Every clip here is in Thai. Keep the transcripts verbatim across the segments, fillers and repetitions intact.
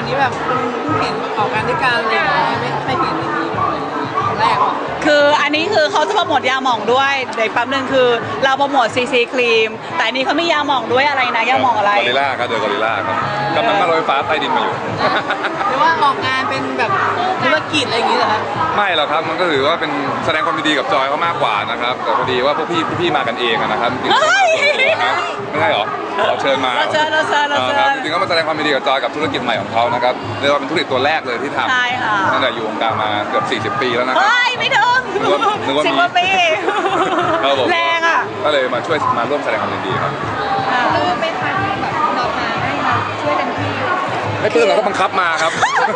นี้แบบคุณเห็นประกอบการด้วยกันเลยไม่ไม่เห็นอย่างนี้เลยแรกอ่ะคืออันนี้คือเขาจะโปรโมทยาหม่องด้วยเดี๋ยวแป๊บนึงคือเราโปรโมทซีซีครีมแต่อันนี้เขามียาหม่องด้วยอะไรนะยาหม่องอะไรกอริลล่าครับเดอะกอริลล่าครับกำลังนั่งรถไฟฟ้าใต้ดินมาอยู่หรือว่าออกงานเป็นแบบธุรกิจอะไรอย่างนี้เหรอครับไม่หรอกครับมันก็ถือว่าเป็นแสดงความยินดีกับจอยเขามากกว่านะครับแต่พอดีว่าพวกพี่พี่มากันเองนะครับจริงๆก็มาส่วนตัวนะไม่ใช่หรอเราเชิญมาเราเชิญเราเชิญเราเชิญจริงๆก็มาแสดงความยินดีกับจอยกับธุรกิจใหม่ของเขานะครับเรียกว่าเป็นธุรกิจตัวแรกเลยที่ทำใช่ค่ะตั้งแต่อยู่วงการมาเกือบสี่สิบปีแล้วนะครับเฮ้ยไม่ถึงนึกว่านึกว่ามีสิบกว่าปีครับผมแรงอ่ะก็เลยมาช่วยมาร่วมแสดงความยินดีครับปลื้มไหมคะที่แบบดอกไม้ให้มาช่วยกันที่ไม่ปลื้มเราก็บังคับมาครับ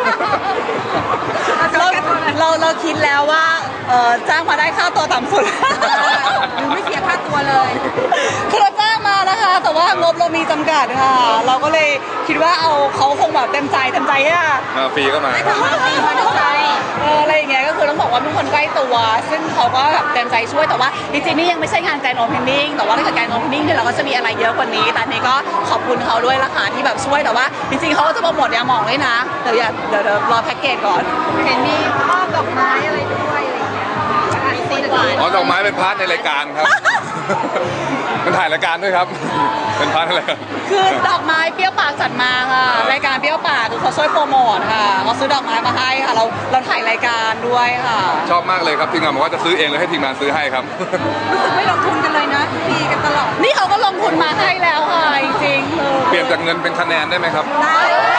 เราเราเราคิดแล้วว่าเออจ้างมาได้ค่าตัวต่ำสุดหรือไม่เสียค่าตัวเลยคือเราจ้างมานะคะ แต่ว่างบเรามีจำกัดค่ะ เราก็เลยคิดว่าเอาเขาคงแบบเต็มใจเต็มใจอะมาฟรีก็มามีคนใจเอออะไรอย่างเงี้ยก็คือต้องบอกว่าเป็นคนใกล้ตัว ซึ่งเขาก็แบบเต็มใจช่วยแต่ว่าจริงๆนี่ยังไม่ใช่งานแกรนด์โอเพนนิ่งแต่ว่าถ้าเกิดแกรนด์โอเพนนิ่งเนี่ยเราก็จะมีอะไรเยอะกว่านี้แต่อันนี้ก็ขอบคุณเขาด้วยละค่ะที่แบบช่วยแต่ว่าจริงๆเขาก็จะโปรโมทยาหมองด้วยนะเดี๋ยวอย่าเดี๋ยวเดี๋ยวรอแพ็กเกจก่อนเห็นมีมอบดอกไม้อะไรด้วยอะไรอย่างเงี้ยค่ะมีซีนหวานอ๋อดอกไม้เป็นพาร์ทในรายการครับ มันถ่ายรายการด้วยครับ เป็นพาร์ทในรายการคือดอกไม้เปรี้ยวปากจัดมาค่ะรายการเปรี้ยวปากคือเขาช่วยโปรโมทค่ะเขาซื้อดอกไม้มาให้ค่ะเราเราถ่ายรายการด้วยค่ะชอบมากเลยครับทีมงานบอกว่าจะซื้อเองเลยให้ทีมงานซื้อให้ครับรู้สึกไม่ลงทุนกันเลยนะฟรีกันตลอดนี่เขาก็ลงทุนมาให้แล้วค่ะจริงๆคือเปลี่ยนจากเงินเป็นคะแนนได้ไหมครับได้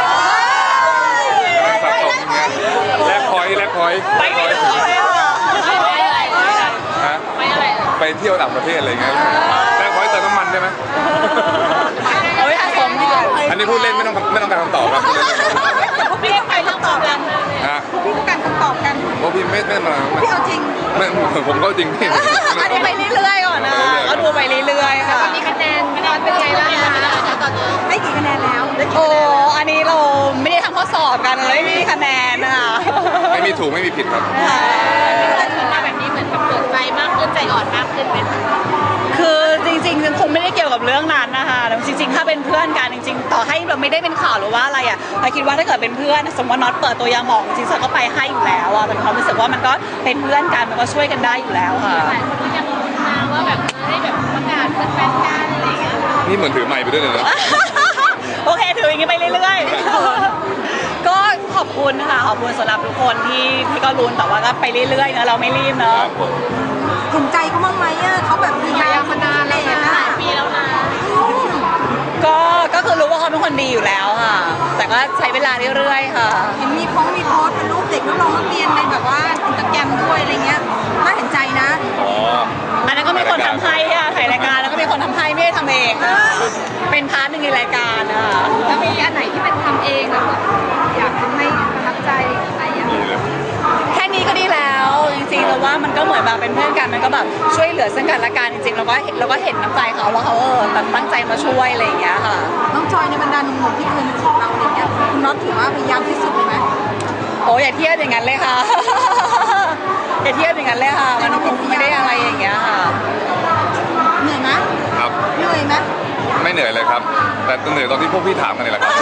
สะสมอย่างเงี้ยแลกพอยต์แลกพอยต์ไปไม่ถูกเลยค่ะฮะไปเที่ยวต่างประเทศอะไรเงี้ยแลกพอยต์เติมน้ำมันได้ไหมเอาไว้สะสมดีกว่าอันนี้พูดเล่นไม่ต้องไม่ต้องการคำตอบครับพูดเล่นพี่ต้องการคำตอบกันฮะพี่ต้องการคำตอบกันเพราะพี่ไม่ไม่มาพี่เอาจริงไม่ผมก็จริงพี่อันนี้ไปเรื่อยๆก่อนนะก็ดูไปเรื่อยๆค่ะมีคะแนนคะแนนเป็นไงบ้างคะตอนนี้ให้กี่คะแนนแล้วโอ้อันนี้เราไม่ได้ทำข้อสอบกันเลยไม่มีคะแนนนะคะไม่มีถูกไม่มีผิดครับแต่ถึงมาแบบนี้เหมือนกับเปิดใจมากขึ้นใจอ่อนมากขึ้นไหมคะคือจริงๆคงไม่ได้เกี่ยวกับเรื่องนั้นนะคะแต่จริงๆ ถ้าเป็นเพื่อนกันจริงๆ ต่อให้เราไม่ได้เป็นข่าวหรือว่าอะไรอ่ะเราคิดว่าถ้าเกิดเป็นเพื่อนสมมติว่าน็อตเปิดตัวยาหมองจริงๆเราก็ไปให้อยู่แล้วอ่ะเป็นความรู้สึกว่ามันก็เป็นเพื่อนกันมันก็ช่วยกันได้อยู่แล้วค่ะหลายคนก็ยังลุ้นนะว่าแบบให้แบบประกาศเป็นแฟนกันอะไรอย่างเงี้ยนี่เหมือนถือไมค์ไปด้วยเลยนะโอเคถืออย่างนี้ไปเรื่อยๆ ก็ขอบคุณค่ะขอบคุณสำหรับทุกคนที่ที่ก็ลุ้นแต่ว่าก็ไปเรื่อยๆนะเราไม่รีบเนอะเห็นใจเขาบ้างไหมอ่ะเขาแบบมีงานมานานแล้วนะหลายปีแล้วนะก็ก็คือรู้ว่าเขาเป็นคนดีอยู่แล้วค่ะ แต่ก็ใช้เวลาเรื่อยๆค่ะเห็นมีโพสต์มีโพสต์เป็นรูปเด็กน้องนักเรียนในแบบว่าอินสตาแกรมด้วยอะไรเงี้ยน่าเห็นใจนะอ๋ออันนั้นก็มีคนทำให้ค่ะถ่ายรายการแล้วก็มีคนทำให้ไม่ได้ทำเองค่ะเป็นพาร์ทหนึ่งในรายการนะคะแล้วมีอันไหนที่เป็นทำเองแล้วแบบอยากทำให้ประทับใจอะไรอย่างเงี้ยแค่นี้ก็ดีแล้วจริงๆเราว่ามันก็เหมือนแบบเป็นเพื่อนกันมันก็แบบช่วยเหลือซึ่งกันและกันจริงๆเราก็เราก็เห็นน้ำใจเขาว่าเขาเออแบบตั้งใจมาช่วยอะไรอย่างเงี้ยค่ะน้องจอยในบรรดาหนุ่มๆที่เคยมาจีบเราอะไรเงี้ยคุณน็อตถือว่าพยายามที่สุดเลยไหมโอ้อย่าเทียบอย่างนั้นเลยค่ะ อย่าเทียบอย่างนั้นเลยค่ะ มันคงไม่ได้อะไรอย่างเงี้ยค่ะเหนื่อยไหมครับเหนื่อยไหมไม่เหนื่อยเลยครับ แต่เหนื่อยตอนที่พวกพี่ถามกันนี่แหละครับ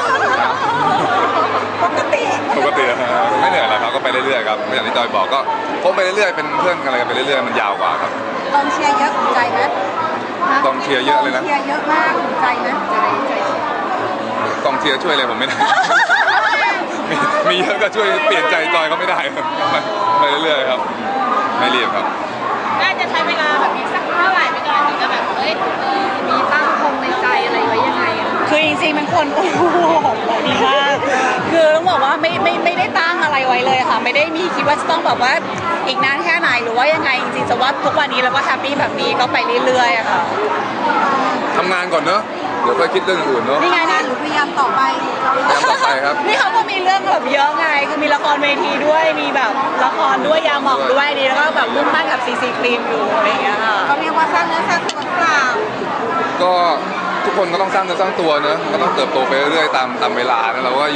ปกติปกตินะฮะไม่เหนื่อยแล้วครับก็ไปเรื่อยๆครับอย่างที่จอยบอกก็คบไปเรื่อยๆเป็นเพื่อนกันอะไรกันไปเรื่อยๆมันยาวกว่าครับกองเชียร์เยอะถูกใจไหมกองเชียร์เยอะเลยนะกองเชียร์เยอะมากถูกใจไหมใจใจกองเชียร์ช่วยอะไรผมไม่ได้ มีมีเยอะก็ช่วยเปลี่ยนใจจอยเขาไม่ได้ครับไปเรื่อยๆครับ ไม่รีบครับน่าจะใช้เวลาแบบนี้สักเท่าไหร่ไม่กันถึงจะแบบเอ้ยเออมีตั้งคงในใจอะไรไว้ยังไงอะคือจริงๆเป็นคน โอ้โหดีมากคือต้องบอกว่าไม่ไม่ไม่ได้ตั้งอะไรไว้เลยค่ะ ไม่ได้มีคิดว่าจะต้องแบบว่าอีกนานแค่ไหนหรือว่ายังไงจริงๆจะว่าทุกวันนี้เราก็แฮปปี้แบบนี้ก็ไปเรื่อยๆอะค่ะทำงานก่อนเนอะเดี๋ยวค่อยคิดเรื่องอื่นเนอะนี่ไงนี่หรือพยายามต่อไปพยายามต่อไปครับนี่เขาก็มีเรื่องแบบเยอะไงคือมีละครเวทีด้วยมีแบบละครด้วยยาหมองด้วยดีแล้วก็แบบมุ่งมั่นกับซีซีครีมอยู่อะไรอย่างเงี้ยค่ะเขาเรียกว่าสร้างเนื้อสร้างตัวเปล่าก็ทุกคนก็ต้องสร้างเนื้อสร้างตัวเนอะก็ต้องเติบโตไปเรื่อยๆตามตามเวลานะเราก็ยุค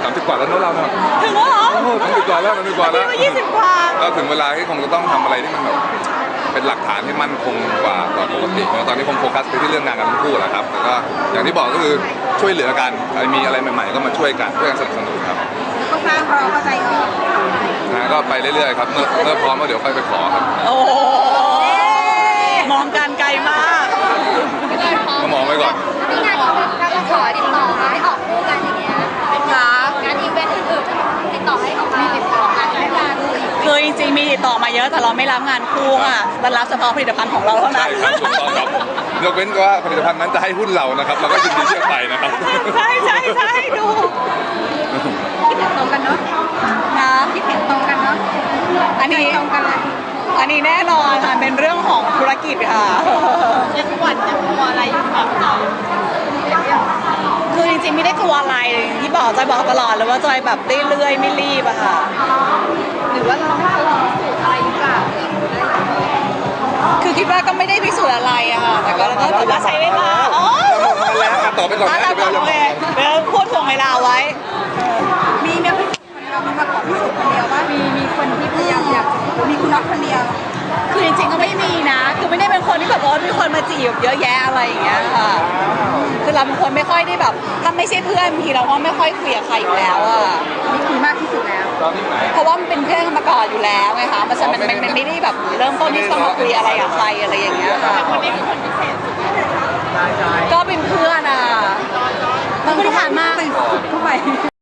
สามสิบกว่าแล้วเนอะเราเนาะถึงแล้วเหรอโอ้โหสามสิบกว่าแล้วสามสิบกว่าแล้วพี่ก็ยี่สิบกว่าก็ถึงเวลาที่คงจะต้องทำอะไรที่มันแบบเป็นหลักฐานที่มั่นคงกว่ากว่าปกติเนอะตอนนี้คงโฟกัสไปที่เรื่องงานกันทั้งคู่แหละครับแล้วก็อย่างที่บอกก็คือช่วยเหลือกันใครมีอะไรใหม่ๆก็มาช่วยกันช่วยกันสนับสนุนครับก็สร้างเพราะเราเข้าใจดีนะก็ไปเรื่อยๆครับเมื่อเมื่อพร้อมก็เดี๋ยวค่อยไปขอครับโอ้โหมองการไกลมากก็มองไว้ก่อนมีงานอีเวนต์การขอติดต่อมาให้ออกคู่กันอย่างเงี้ยเป็นคะงานอีเวนต์อื่นๆติดต่อให้ออกมาติดต่องานให้งานอีกคือจริงๆมีติดต่อมาเยอะแต่เราไม่รับงานคู่อ่ะเรารับเฉพาะผลิตภัณฑ์ของเราเท่านั้ใช่นครับถูกต้องครับยกเว้นว่าผลิตภัณฑ์นั้นจะให้หุ้นเรานะครับเราก็ยินดีที่จะไปนะครับใช่ใช่ใช่ดูคิดเห็นตรงกันเนาะนะคิดเห็นตรงกันเนาะอันนี้ตรงกันเลยอันนี้แน่นอนค่ะเป็นเรื่องของธุรกิจค่ะยังหวั่นยังกลัวอะไรอยู่แบบเราคือจริงๆไม่ได้กลัวอะไรอย่างที่บอกจอยบอกตลอดเลยว่าจอยแบบเรื่อยๆไม่รีบอะค่ะหรือว่าเราไม่รู้สูตรอะไรหรือเปล่าคือคิดว่าก็ไม่ได้พิสูจน์อะไรอะค่ะแต่ก็แล้วก็แต่ว่าใช้เวลาอ๋อมาแล้วอ่ะต่อไปก่อนอ่ะนะเราเดี๋ยวโอเราเคเดี๋ยวพูดถ่วงเวลาไว้มีเนี่ยเรามีมาขอพิสูจน์คนเดียวว่ามีมีคนที่พยายามอยากมีคุณน็อตคนเดียวคือจริงๆก็ไม่มีนะ คือไม่ได้เป็นคนที่แบบว่ามีคนมาจีบเยอะแยะอะไรอย่างเงี้ยค่ะ คือเราเป็นคนไม่ค่อยได้แบบ ถ้าไม่ใช่เพื่อนบางทีเราก็ไม่ค่อยคุยกับใครอยู่แล้วอะนี่คุยมากที่สุดแล้วตอนนี้ไหนเพราะว่ามันเป็นเพื่อนกันมาก่อนอยู่แล้วไงคะ มันจะมันมันมันไม่ได้แบบเริ่มต้นที่จะมาคุยอะไรกับใครอะไรอย่างเงี้ยค่ะคนนี้คือคนพิเศษก็เป็นเพื่อนอ่ะ มันก็ที่ผ่านมาเข้าไป